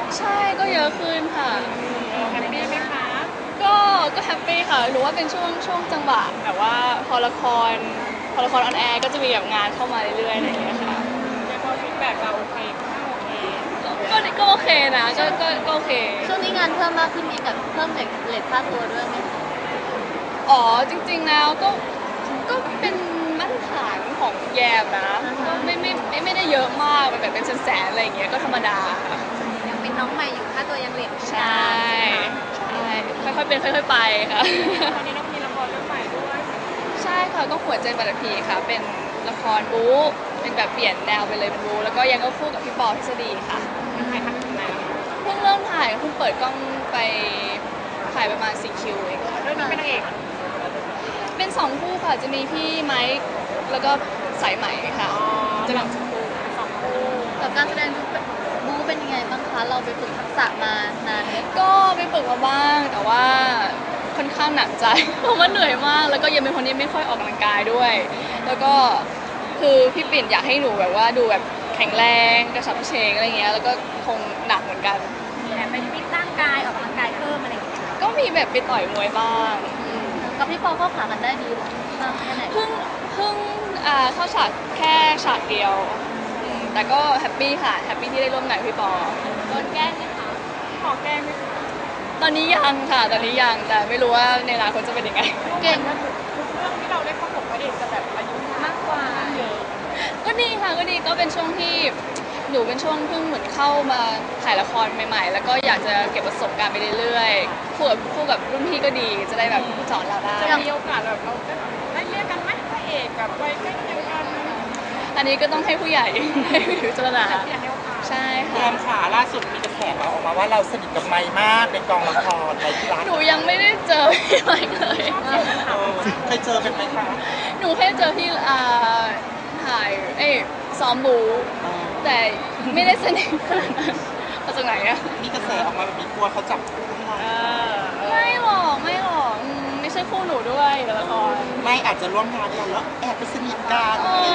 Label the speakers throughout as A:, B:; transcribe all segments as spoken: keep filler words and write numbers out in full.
A: ใช่ก็เยอะขึ้นค่ะ
B: แฮปปี้ไหมคะ
A: ก็ก็แฮปปี้ค่ะหนูว่าเป็นช่วงช่วงจังหวะแบบว่าพอละครพอละครออนแอร์ก็จะมีแบบงานเข้ามาเรื่อยๆอะไรอย่างเงี้ยค่ะ
B: ในพอฟีดแบ็กเราโอเคค่าโอเค
A: ก็ก็ก็โอเคนะก็ก็ก็โอเค
C: ช่วงนี้งานเพิ่มมากขึ้นมีกับเพิ่มเลทเลทค่าตัวด้วยไหมคะ
A: อ๋อจริงๆแล้วก็ก็เป็นมาตรฐานของแยมนะก็ไม่ไม่ไม่ไม่ได้เยอะมากแบบเป็นแสนๆอะไรอย่างเงี้ยก็ธรรมดาค่ะ
C: ยังเป็นน้องใหม่อยู่ค่าตัวยังเลท
A: ใช่ใช่ค่อยๆเป็นค่อยๆไปค่ะ
B: ตอนนี้เรามีละครเรื่องใหม่ด้วย
A: ใช่ค่ะก็หัวใจบัตรผีค่ะเป็นละครบู๊เป็นแบบเปลี่ยนแนวไปเลยเป็นบู๊แล้วก็ยังก็คู่กับพี่ปอทฤษฎีค่ะ
B: ถ่ายทำถึงไหนแล้ว
A: เพิ่งเริ่มถ่ายเพิ่งเปิดกล้องไปถ่ายประมาณสี่คิวเองค่ะ
B: เรื่องนี้เป็นนางเอก
A: เป็นสองคู่ค่ะจะมีพี่ไมค์แล้วก็สายไหมค่ะจะเป็นสองคู่
B: สองคู่
C: กับการแสดงบูเป็นยังไงบ้างคะเราไปฝึกทักษะมานานไหม
A: ก็ไปฝึกมาบ้างแต่ว่าค่อนข้างหนักใจเพราะว่าเหนื่อยมากแล้วก็ยังเป็นคนที่ไม่ค่อยออกกำลังกายด้วย แล้วก็คือพี่ปิ่นอยากให้หนูแบบว่าดูแบบแข็งแรงกระฉับกระเฉงอะไรเงี้ยแล้วก็คงหนักเหมือนกัน
C: แต่ไปฟิตร่างกายออกกำลังกายเพิ่มอะไรอย่างเงี้ย
A: ก็มีแบบไปต่อยมวยบ้าง
C: กับพี่ปอเข้าขากันได้ดีมากแค่ไหน
A: เพิ่งเพิ่งอ่าเข้าฉากแค่ฉากเดียวแต่ก็แฮปปี้ค่ะแฮปปี้ที่ได้ร่วมงานกับพี่ปอ
C: โดนแกล้งไหมคะ
B: ขอแก้ไหมคะ
A: ตอนนี้ยังค่ะตอนนี้ยังแต่ไม่รู้ว่าในอนาคตจะเป็นยังไง
B: เก่งนะทุกเรื่องที่เราได้ประกบพระเอกจะแบบอายุมากกว่าเยอะ
A: ก็ดีค่ะก็ดีก็เป็นช่วงที่หนูเป็นช่วงเพิ่งเหมือนเข้ามาถ่ายละครใหม่ๆแล้วก็อยากจะเก็บประสบการณ์ไปเรื่อยๆคู่กับคู่กับรุ่นพี่ก็ดีจะได้แบบสอนเราได้
B: จะมีโอกาสแบบเราได้เรียกกันไหมพระเอกกับวัยใกล้เคียงกัน
A: อันนี้ก็ต้องให้ผู้ใหญ่ให้พิจารณาใช่
D: แย
A: ค่ะ
D: มขาล่าสุดมีกระแสออกมาว่าเราสนิทกับไมค์มากในกองละครในที่ร้าน
A: หนูยังไม่ได้เจอพี่ไมค์เลย
D: เคยเจอเป็นไหมคะ
A: หนูแค่เจอพี่อ่าถ่ายเอ้ซ้อมบูแต่ไม่ได้สนิทขนาดนั้นมาจากไหนอะ
D: มีกระแสออกมาแบบนี้กลัวเขาจับคู่ให้เรา
A: ไม่หรอกไม่หรอกไม่ใช่คู่หนูด้วยในละคร
D: ไม่อาจจะร่วมงานกันแล้วแอบไปสนิทกัน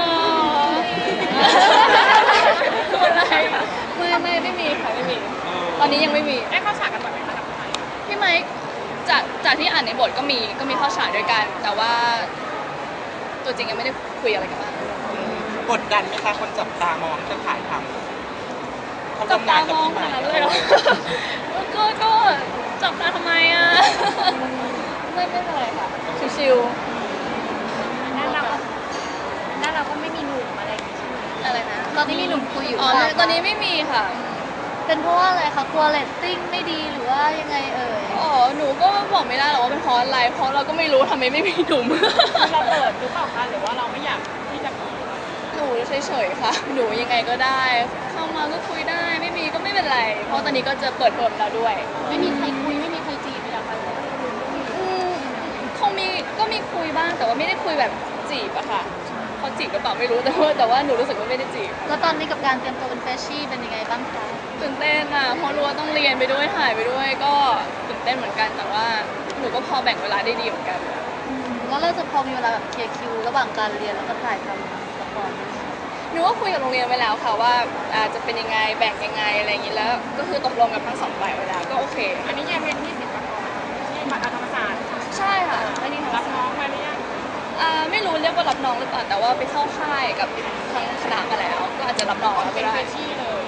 A: อะไรไม่ไม่ไม่มีค่ะไม่มีตอนนี้ยังไม่มี
B: ได้เข้าฉากกันบ่อยไหมคะกับ
A: พี่ไมค์จากจากที่อ่านในบทก็มีก็มีเข้าฉากด้วยกันแต่ว่าตัวจริงยังไม่ได้คุยอะไรกันบ้าง
D: กดดันไหมคะคนจับตามองจะถ่ายทำ
A: จับตามองขนาดนั้นเลยเหรอก็ก็จับตาทำไมอ่ะไม่ไม่เป็นไรค่ะชิว
C: ๆนั่นเราก็นั่นเราก็ไม่มีหนุ่มอะไรอย่างงี้ใช่ไหม
A: อะไรนะ
C: ตอนนี้มีหนุ่มคุยอยู่
A: อ๋อตอนนี้ไม่มีค่ะ
C: เป็นเพราะว่าอะไรคะกลัวเรตติ้งไม่ดีหรือว่ายังไงเอ่ย
A: อ๋อหนูก็บอกไม่ได้หรอกว่าเป็นเพราะอะไรเพราะเราก็ไม่รู้ทำไมไม่มีหนุ่ม
B: เราเปิดหรือเปล่าคะหรือว่าเราไม่อยากที่จะ
A: หนูเฉยๆค่ะหนูยังไงก็ได้เข้ามาก็คุยได้ไม่มีก็ไม่เป็นไรเพราะตอนนี้ก็จะเปิดเทอมแล้วด้วย
C: ไม่มีใครคุยไม่มีใครจีบเลยอะค่ะ
A: คงมีก็มีคุยบ้างแต่ว่าไม่ได้คุยแบบจีบอะค่ะเขาจีบหรือเปล่าไม่รู้แต่ว่าแต่ว่าหนูรู้สึกว่าไม่ได้จีบ
C: แล้วตอนนี้กับการเตรียมตัวเป็นเฟชชี่เป็นยังไงบ้างคะ
A: ตื่นเต้นอะเพราะรู้ว่าต้องเรียนไปด้วยถ่ายไปด้วยก็ตื่นเต้นเหมือนกันแต่ว่าหนูก็พอแบ่งเวลาได้ดีเหมือนกัน
C: แล้วเราจะพอมีเวลาแบบเคลียร์คิวระหว่างการเรียนแล้วก็ถ่ายทำละคร
A: หนูก็คุยกับโรงเรียนไว้แล้วค่ะว่าจะเป็นยังไงแบ่งยังไงอะไรอย่างนี้แล้วก็คือตกลงกับทั้งสองฝ่ายไว้แล้วก็โอเค
B: อันนี้ยังเป็นที่สิบปที่มหาธรรมศาสตร์
A: ใช่ค่ะไม่ได้
B: รับน้องมาหรือยัง
A: ไม่รู้เรียกว่ารับน้องหรือเปล่าแต่ว่าไปเข้าค่ายกับทางคณะมาแล้วก็อาจจะรับน้องก็ได้
B: ที่เลย